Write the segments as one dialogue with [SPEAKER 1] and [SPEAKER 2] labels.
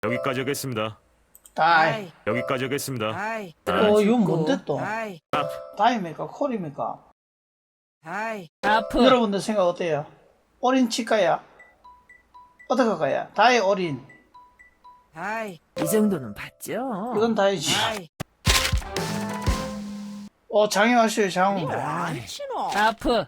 [SPEAKER 1] 여기까지 하겠습니다.
[SPEAKER 2] 다이.
[SPEAKER 1] 여기까지 하겠습니다.
[SPEAKER 3] 다이.
[SPEAKER 2] 이건 뭔데 또?
[SPEAKER 3] 다이.
[SPEAKER 2] 다이입니까? 콜입니까?
[SPEAKER 3] 다이.
[SPEAKER 4] 하프.
[SPEAKER 2] 여러분들 생각 어때요? 올인 칠까요? 어떻게 할까요? 다이 올인.
[SPEAKER 3] 다이.
[SPEAKER 4] 이 정도는 봤죠?
[SPEAKER 2] 이건 다이지.
[SPEAKER 3] 다이.
[SPEAKER 2] 장애하셔요, 장.
[SPEAKER 3] 안 치노.
[SPEAKER 4] 하프.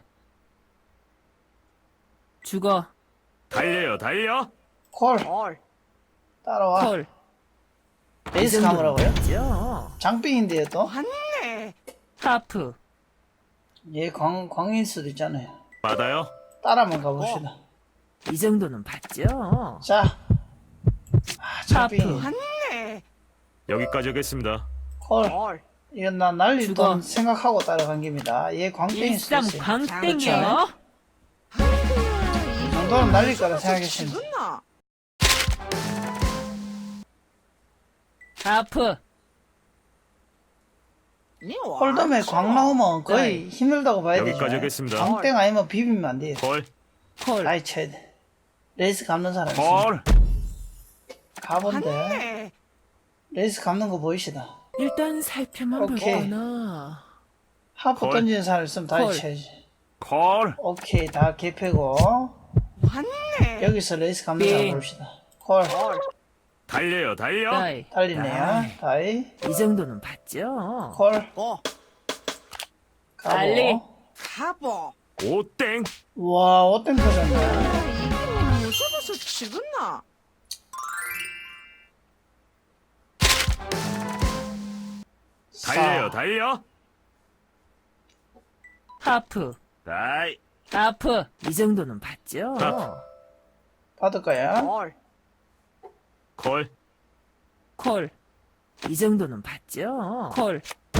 [SPEAKER 4] 죽어.
[SPEAKER 1] 달려요, 달려.
[SPEAKER 2] 콜.
[SPEAKER 3] 콜.
[SPEAKER 2] 따라와.
[SPEAKER 4] 콜.
[SPEAKER 2] 레이스 가물라고요?
[SPEAKER 4] 봤죠?
[SPEAKER 2] 장빙인데요, 또?
[SPEAKER 3] 왔네.
[SPEAKER 4] 하프.
[SPEAKER 2] 얘 광인 수도 있잖아요.
[SPEAKER 1] 받아요.
[SPEAKER 2] 따라만 가봅시다.
[SPEAKER 4] 이 정도는 봤죠?
[SPEAKER 2] 자. 장빙.
[SPEAKER 3] 왔네.
[SPEAKER 1] 여기까지 하겠습니다.
[SPEAKER 2] 콜.
[SPEAKER 3] 콜.
[SPEAKER 2] 이건 나 날릴
[SPEAKER 4] 죽어.
[SPEAKER 2] 돈 생각하고 따라간 겁니다. 얘 광땡일 수도
[SPEAKER 4] 일삼
[SPEAKER 2] 있어요.
[SPEAKER 4] 광땡이요.
[SPEAKER 2] 이 정도는 날릴 거라 생각했습니다.
[SPEAKER 3] 죽었나?
[SPEAKER 4] 하프.
[SPEAKER 3] 니 와.
[SPEAKER 2] 홀덤에 광 나오면 거의 힘들다고 봐야 되죠.
[SPEAKER 1] 여기까지 하겠습니다.
[SPEAKER 2] 광땡 아니면 비비면 안 돼요.
[SPEAKER 1] 콜,
[SPEAKER 4] 콜.
[SPEAKER 2] 나이 쳐야 돼. 레이스 감는 사람 있어.
[SPEAKER 1] 콜.
[SPEAKER 2] 가본데.
[SPEAKER 3] 왔네.
[SPEAKER 2] 레이스 감는 거 보이시다.
[SPEAKER 4] 일단 살펴만
[SPEAKER 2] 오케이.
[SPEAKER 4] 볼거나.
[SPEAKER 2] 하프
[SPEAKER 1] 콜.
[SPEAKER 2] 던지는 사람 있으면 다이
[SPEAKER 4] 콜.
[SPEAKER 2] 쳐야지.
[SPEAKER 1] 콜.
[SPEAKER 2] 오케이, 다 개패고.
[SPEAKER 3] 왔네.
[SPEAKER 2] 여기서 레이스 감는 사람
[SPEAKER 4] 빙.
[SPEAKER 2] 봅시다. 콜.
[SPEAKER 3] 콜.
[SPEAKER 1] 달려요, 달려.
[SPEAKER 4] 다이.
[SPEAKER 2] 달리네요. 다이.
[SPEAKER 4] 이 정도는 봤죠?
[SPEAKER 2] 콜.
[SPEAKER 3] 고.
[SPEAKER 4] 달리.
[SPEAKER 2] 가보.
[SPEAKER 3] 가보.
[SPEAKER 1] 오땡.
[SPEAKER 2] 와, 어떤 터졌네.
[SPEAKER 3] 이거 무서워서 죽었나?
[SPEAKER 1] 달려요, 달려.
[SPEAKER 4] 하프.
[SPEAKER 1] 다이.
[SPEAKER 4] 하프. 이 정도는 봤죠?
[SPEAKER 1] 하프.
[SPEAKER 2] 받을까요?
[SPEAKER 3] 콜.
[SPEAKER 1] 콜.
[SPEAKER 4] 콜. 이 정도는 봤죠? 콜.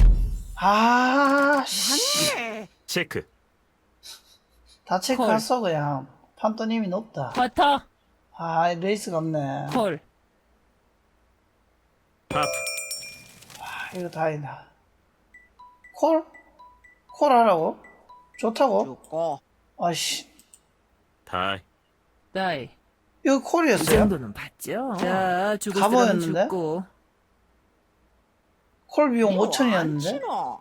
[SPEAKER 2] 아, 씨.
[SPEAKER 3] 왔네.
[SPEAKER 1] 체크.
[SPEAKER 2] 다 체크했어, 그냥. 판도님이 높다.
[SPEAKER 4] 버터.
[SPEAKER 2] 아, 레이스가 없네.
[SPEAKER 4] 콜.
[SPEAKER 1] 하프.
[SPEAKER 2] 아, 이거 다행이다. 콜? 콜 하라고? 좋다고?
[SPEAKER 3] 죽고.
[SPEAKER 2] 아씨.
[SPEAKER 1] 다이.
[SPEAKER 4] 다이.
[SPEAKER 2] 이거
[SPEAKER 4] 이
[SPEAKER 2] 콜이었어요?
[SPEAKER 4] 정도는 봤죠? 자, 죽을 사람은
[SPEAKER 2] 가보였는데?
[SPEAKER 4] 죽고.
[SPEAKER 2] 콜 비용
[SPEAKER 3] 이거
[SPEAKER 2] 5천이었는데?
[SPEAKER 3] 안 치노.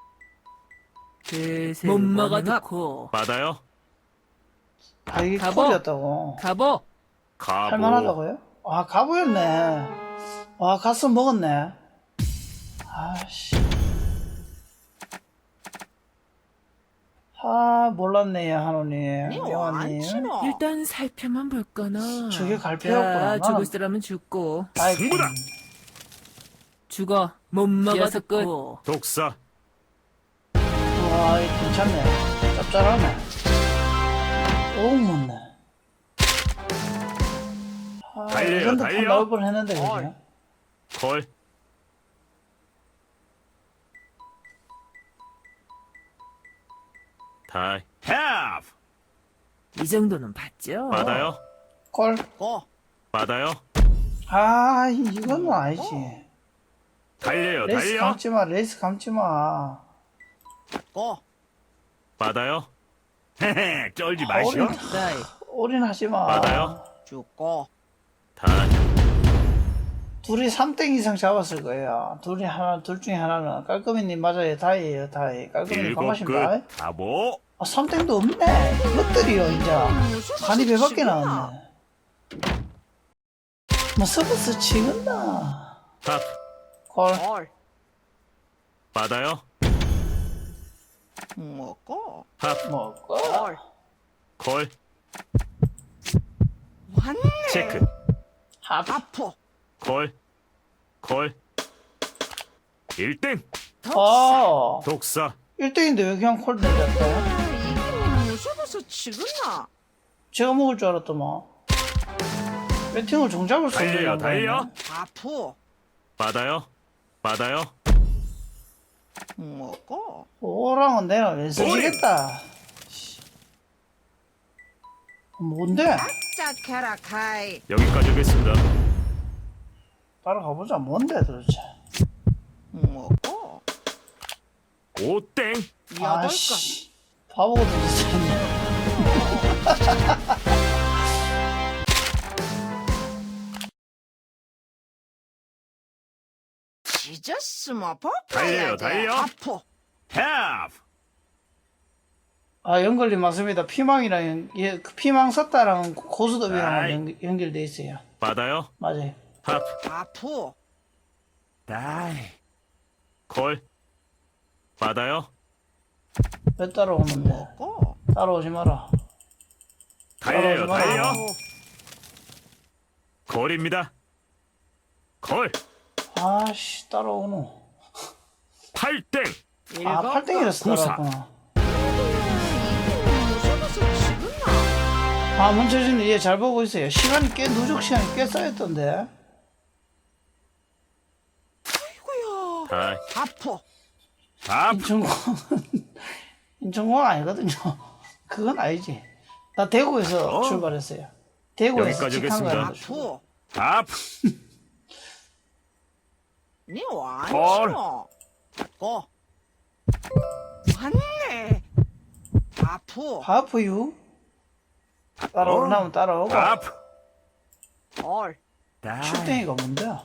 [SPEAKER 4] 못 먹어도
[SPEAKER 1] 받아요.
[SPEAKER 2] 아, 이게
[SPEAKER 4] 가보.
[SPEAKER 2] 콜이었다고.
[SPEAKER 4] 가보.
[SPEAKER 1] 가보.
[SPEAKER 2] 할만하다고요? 아, 가보였네. 아, 가스 먹었네. 아씨. 아, 몰랐네요, 한우님.
[SPEAKER 3] 니 와. 안
[SPEAKER 2] 영화님.
[SPEAKER 3] 치노.
[SPEAKER 4] 일단 살펴만 볼거나.
[SPEAKER 2] 저게 갈피였구나.
[SPEAKER 4] 자, 죽을
[SPEAKER 2] 나는-
[SPEAKER 4] 사람은 죽고.
[SPEAKER 2] 아이고.
[SPEAKER 1] 승부다.
[SPEAKER 4] 죽어. 못 먹어도 끝.
[SPEAKER 1] 독사.
[SPEAKER 2] 와, 이거 괜찮네. 짭짤하네. 오, 못네. 아,
[SPEAKER 1] 달려요,
[SPEAKER 2] 이 정도 판
[SPEAKER 1] 달려.
[SPEAKER 2] 나올 뻔 했는데, 그죠?
[SPEAKER 1] 콜. 다이. 하프.
[SPEAKER 4] 이 정도는 봤죠?
[SPEAKER 1] 받아요.
[SPEAKER 2] 콜.
[SPEAKER 3] 고.
[SPEAKER 1] 받아요.
[SPEAKER 2] 아, 이건 아니지.
[SPEAKER 1] 달려요,
[SPEAKER 2] 레이스
[SPEAKER 1] 달려.
[SPEAKER 2] 감지 마, 레이스 감지 마.
[SPEAKER 3] 고.
[SPEAKER 1] 받아요. 헤헤, 쫄지 마시오.
[SPEAKER 4] 다이.
[SPEAKER 2] 올인하지 마.
[SPEAKER 1] 받아요.
[SPEAKER 3] 죽고.
[SPEAKER 1] 다이.
[SPEAKER 2] 둘이 3땡 이상 잡았을 거예요. 둘 중에 하나는. 깔끔이님 맞아요. 다이에요, 다이. 깔끔이님
[SPEAKER 1] 일곱
[SPEAKER 2] 반갑습니다.
[SPEAKER 1] 끝. 가보.
[SPEAKER 2] 아, 3땡도 없네. 이것들이요, 이제. 간이 배밖에 나왔네. 뭐, 서비스 치근다.
[SPEAKER 1] 하프.
[SPEAKER 2] 콜.
[SPEAKER 3] 콜.
[SPEAKER 1] 받아요.
[SPEAKER 3] 먹고.
[SPEAKER 1] 하프.
[SPEAKER 2] 먹고.
[SPEAKER 3] 콜.
[SPEAKER 1] 콜.
[SPEAKER 3] 왔네.
[SPEAKER 1] 체크.
[SPEAKER 2] 하프.
[SPEAKER 3] 아프.
[SPEAKER 1] 콜. 콜. 1등. 독사.
[SPEAKER 2] 1등인데 왜 그냥 콜 던졌대?
[SPEAKER 3] 이거 무서워서 죽었나?
[SPEAKER 2] 제가 먹을 줄 알았더만. 배팅을 종잡을 수 없는
[SPEAKER 1] 달려요,
[SPEAKER 2] 양반이네.
[SPEAKER 1] 달려.
[SPEAKER 3] 아프.
[SPEAKER 1] 받아요. 받아요.
[SPEAKER 3] 먹고.
[SPEAKER 2] 오랑은 내가 왜 써지겠다. 뭔데?
[SPEAKER 3] 짝해라 카이.
[SPEAKER 1] 여기까지 하겠습니다.
[SPEAKER 2] 따라가보자. 뭔데 도대체?
[SPEAKER 3] 먹고.
[SPEAKER 1] 오땡.
[SPEAKER 3] 여덟 건.
[SPEAKER 2] 아씨. 바보 같은 짓 했네.
[SPEAKER 3] 찢었으면
[SPEAKER 1] 달려요,
[SPEAKER 3] 벗겨야 돼.
[SPEAKER 1] 달려.
[SPEAKER 3] 아프.
[SPEAKER 1] 탭.
[SPEAKER 2] 아, 연결이 맞습니다. 피망이랑, 예, 그 피망 섰다랑 고스톱이랑
[SPEAKER 1] 아이.
[SPEAKER 2] 연결돼 있어요.
[SPEAKER 1] 받아요.
[SPEAKER 2] 맞아요.
[SPEAKER 1] 합.
[SPEAKER 3] 아프.
[SPEAKER 1] 다이. 콜. 받아요.
[SPEAKER 2] 왜 따라오는데?
[SPEAKER 3] 먹고.
[SPEAKER 2] 따라오지 마라.
[SPEAKER 1] 달려요,
[SPEAKER 2] 따라오지 마라.
[SPEAKER 1] 달려.
[SPEAKER 3] 아프.
[SPEAKER 1] 콜입니다. 콜.
[SPEAKER 2] 아씨, 따라오노.
[SPEAKER 1] 8땡.
[SPEAKER 2] 아,
[SPEAKER 3] 일곱
[SPEAKER 2] 8땡이라서
[SPEAKER 1] 구사.
[SPEAKER 2] 따라왔구나.
[SPEAKER 3] 무서워서 지금
[SPEAKER 2] 아, 문철진이 얘 잘 보고 있어요. 시간이 꽤, 누적 시간이 꽤 쌓였던데.
[SPEAKER 3] 아이고야.
[SPEAKER 1] 다이.
[SPEAKER 3] 아프.
[SPEAKER 1] 합.
[SPEAKER 2] 인천공항 아니거든요. 그건 아니지. 나 대구에서 출발했어요. 대구에서
[SPEAKER 1] 여기까지
[SPEAKER 2] 직항
[SPEAKER 1] 하겠습니다.
[SPEAKER 2] 가는 거.
[SPEAKER 3] 아프.
[SPEAKER 1] 합.
[SPEAKER 3] 니
[SPEAKER 1] 헐.
[SPEAKER 3] 완치노. 받고. 왔네. 아프.
[SPEAKER 2] 하프유. 따라오려면 따라오고.
[SPEAKER 1] 합.
[SPEAKER 3] 헐.
[SPEAKER 1] 다이.
[SPEAKER 2] 슈땡이가 뭔데?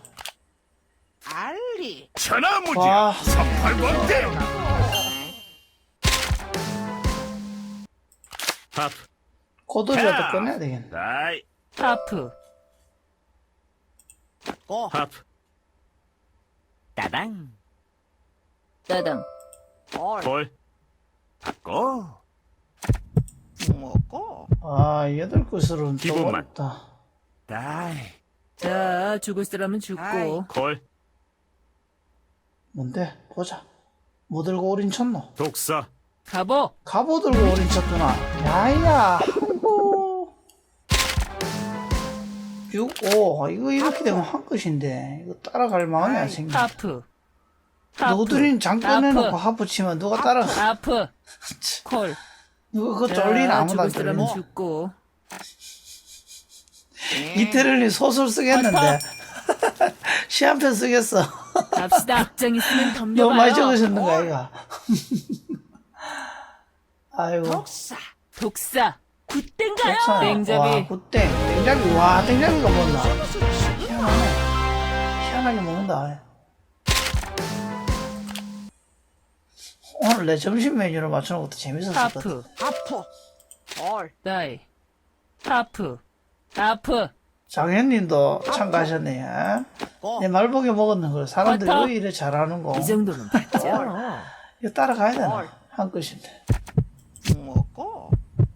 [SPEAKER 3] 알리.
[SPEAKER 1] 천하무지.
[SPEAKER 2] 와.
[SPEAKER 1] 38번대. 합.
[SPEAKER 2] 고도리라도 꺼내야 되겠네.
[SPEAKER 1] 다이.
[SPEAKER 4] 하프.
[SPEAKER 3] 받고.
[SPEAKER 1] 합.
[SPEAKER 4] 따당. 따당.
[SPEAKER 3] 헐.
[SPEAKER 1] 콜. 받고.
[SPEAKER 3] 먹고.
[SPEAKER 2] 아, 8곳으로는 또
[SPEAKER 1] 기본만.
[SPEAKER 2] 어렵다.
[SPEAKER 1] 다이.
[SPEAKER 4] 자, 죽을 사람은 죽고.
[SPEAKER 3] 아이.
[SPEAKER 1] 콜.
[SPEAKER 2] 뭔데? 보자. 뭐 들고 올인 쳤노?
[SPEAKER 1] 독사.
[SPEAKER 4] 가보.
[SPEAKER 2] 갑오 들고 올인 쳤구나. 야야, 아이고. 6, 5. 이거 이렇게 되면 한 끝인데. 이거 따라갈 마음이 안 생겨.
[SPEAKER 4] 하프. 하프.
[SPEAKER 2] 너들인 장 꺼내놓고
[SPEAKER 4] 하프.
[SPEAKER 2] 하프 치면 누가 따라,
[SPEAKER 4] 하프. 콜.
[SPEAKER 2] 누가 그거
[SPEAKER 4] 자,
[SPEAKER 2] 쫄리나 아무도
[SPEAKER 4] 죽을
[SPEAKER 2] 안
[SPEAKER 4] 사람은
[SPEAKER 2] 쫄리나.
[SPEAKER 4] 죽고.
[SPEAKER 2] 이태를님 소설 쓰겠는데. 시 한 편 쓰겠어.
[SPEAKER 4] 갑시다. 백장 있으면 덤벼봐요.
[SPEAKER 2] 너무 많이 적으셨는 거 아이가? 아이고.
[SPEAKER 3] 독사.
[SPEAKER 4] 독사. 굿땡가요?
[SPEAKER 2] 독사야. 와,
[SPEAKER 4] 땡잡이.
[SPEAKER 2] 굿땡. 땡잡이. 와, 땡잡이가 뭔나.
[SPEAKER 3] 무서워서 지금
[SPEAKER 2] 희한하네. 희한하게 먹는다. 오늘 내 점심 메뉴를 맞추는 것도 재밌었거든.
[SPEAKER 4] 하프.
[SPEAKER 3] 아프. 헐.
[SPEAKER 4] 다이. 하프. 하프.
[SPEAKER 2] 장현님도 참가하셨네. 요
[SPEAKER 3] 고.
[SPEAKER 2] 내 말보기 먹었는 걸 사람들이
[SPEAKER 4] 버터.
[SPEAKER 2] 왜 이래 잘하는 거.
[SPEAKER 4] 이 정도는 봤죠.
[SPEAKER 2] 이거 따라가야 되나?
[SPEAKER 3] 헐.
[SPEAKER 2] 한 끝인데.
[SPEAKER 3] 먹고.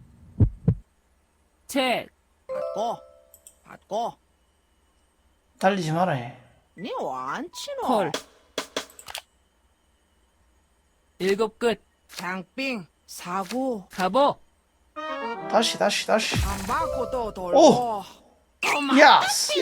[SPEAKER 4] 책.
[SPEAKER 3] 받고. 받고.
[SPEAKER 2] 달리지 마라 해.
[SPEAKER 3] 니 완치노.
[SPEAKER 4] 콜. 7끝.
[SPEAKER 3] 장빙. 사고.
[SPEAKER 4] 가보.
[SPEAKER 2] 다시.
[SPEAKER 3] 안 받고 또
[SPEAKER 2] 오.
[SPEAKER 3] 돌고.
[SPEAKER 2] 야스.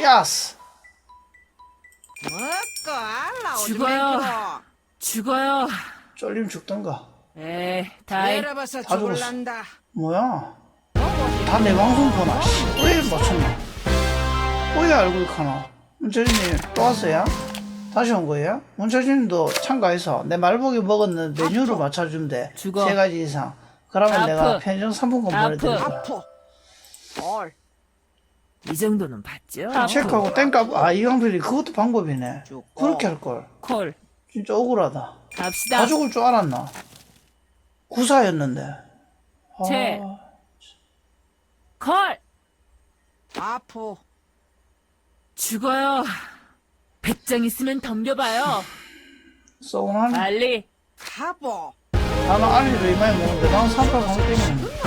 [SPEAKER 3] 먹고 알라 오지
[SPEAKER 4] 죽어요.
[SPEAKER 3] 말기로.
[SPEAKER 4] 죽어요.
[SPEAKER 2] 쫄림 죽던가.
[SPEAKER 4] 에이, 다이.
[SPEAKER 3] 내려봐서
[SPEAKER 2] 다 죽었어.
[SPEAKER 3] 죽을란다.
[SPEAKER 2] 뭐야? 다 내 방송 보나? 씨, 왜 맞췄나? 왜 알고 있카나? 문철진님 또 왔어요? 다시 온 거예요? 문철진님도 참가해서 내 말보기 먹었는 메뉴를 맞춰주면 돼.
[SPEAKER 4] 죽어.
[SPEAKER 2] 3가지 이상. 그러면
[SPEAKER 4] 아프.
[SPEAKER 2] 내가 편의점 상품권
[SPEAKER 4] 아프.
[SPEAKER 2] 보내드릴 거야.
[SPEAKER 3] 아프. 헐.
[SPEAKER 4] 이 정도는 봤죠.
[SPEAKER 2] 체크하고 땡값. 아, 이강필이 그것도 방법이네.
[SPEAKER 3] 죽고.
[SPEAKER 2] 그렇게 할걸.
[SPEAKER 4] 콜.
[SPEAKER 2] 진짜 억울하다.
[SPEAKER 4] 갑시다.
[SPEAKER 2] 다 죽을 줄 알았나? 구사였는데.
[SPEAKER 4] 책.
[SPEAKER 2] 아,
[SPEAKER 4] 콜.
[SPEAKER 3] 아프.
[SPEAKER 4] 죽어요. 100장 있으면 덤벼봐요.
[SPEAKER 2] 서운하네.
[SPEAKER 4] 빨리.
[SPEAKER 3] 가보.
[SPEAKER 2] 나는 알리를 이마에 먹는데 난 3팔 방울 땡기는